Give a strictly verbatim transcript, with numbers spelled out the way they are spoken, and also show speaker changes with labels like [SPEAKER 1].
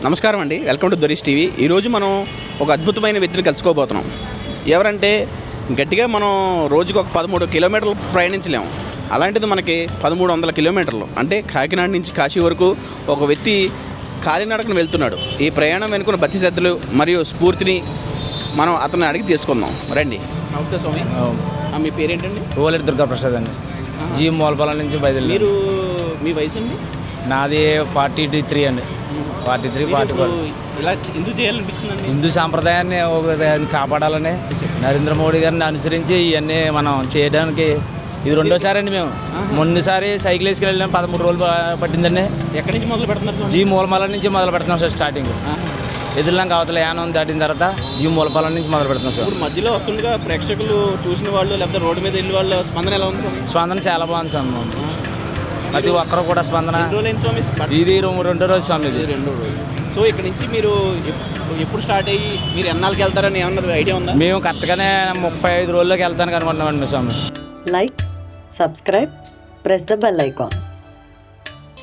[SPEAKER 1] నమస్కారం అండి, welcome to దొరీస్ TV. ఈరోజు మనం ఒక అద్భుతమైన వ్యక్తిని కలుసుకోబోతున్నాం. ఎవరంటే గట్టిగా మనం రోజుకు ఒక పదమూడు కిలోమీటర్లు ప్రయాణించలేము. అలాంటిది మనకి పదమూడు వందల కిలోమీటర్లు అంటే కాకినాడ నుంచి కాశీ వరకు ఒక వ్యక్తి కాలినడకను వెళ్తున్నాడు. ఈ ప్రయాణం వెనుకున్న భక్తి శ్రద్ధలు మరియు స్ఫూర్తిని మనం అతన్ని అడిగి తీసుకుందాం. రండి. నమస్తే స్వామి. మీ పేరేంటండి?
[SPEAKER 2] ఓలేరు దుర్గాప్రసాద్ అండి. జీ మోలపాలెం నుంచి బయలుదేరి.
[SPEAKER 1] మీరు మీ వయసు అండి?
[SPEAKER 2] నాది ఫార్టీ త్రీ అండి. Forty three forty four.
[SPEAKER 1] ఇలా ఎందుకు చేయాలనిపిస్తుందండి?
[SPEAKER 2] హిందూ సాంప్రదాయాన్ని ఒక కాపాడాలని నరేంద్ర మోడీ గారిని అనుసరించి ఇవన్నీ మనం చేయడానికి ఇది రెండోసారి అండి. మేము ముందుసారి సైకిల్ వేసుకుని వెళ్ళాం, పదమూడు రోజులు పట్టిందండి.
[SPEAKER 1] ఎక్కడి నుంచి మొదలు పెడుతున్నారు?
[SPEAKER 2] జీ మూలపాలెం నుంచి మొదలు పెడుతున్నాం సార్. స్టార్టింగ్ ఎదురులాగా అవతల యానం దాటిన తర్వాత జీ మూలపాలెం నుంచి మొదలు పెడుతున్నాం సార్.
[SPEAKER 1] ఇప్పుడు మధ్యలో వస్తుండగా ప్రేక్షకులు చూసిన వాళ్ళు లేకపోతే రోడ్డు మీద వెళ్ళి వాళ్ళ స్పందన ఎలా ఉంది?
[SPEAKER 2] స్పందన చాలా బాగుంది సార్. ప్రతి ఒక్కరు కూడా స్పందన. ఇది రెండో రోజు స్వామి. ఇది
[SPEAKER 1] రెండో రోజు. సో ఇక్కడ నుంచి మీరు ఎప్పుడు స్టార్ట్ అయ్యి మీరు ఎన్నాళ్ళకి వెళ్తారని ఏమన్నది ఐడియా ఉందా?
[SPEAKER 2] మేము కరెక్ట్గానే ముప్పై ఐదు రోజుల్లోకి వెళ్తానికి అనుకుంటున్నామండి స్వామి.
[SPEAKER 3] Like, subscribe, press the bell icon.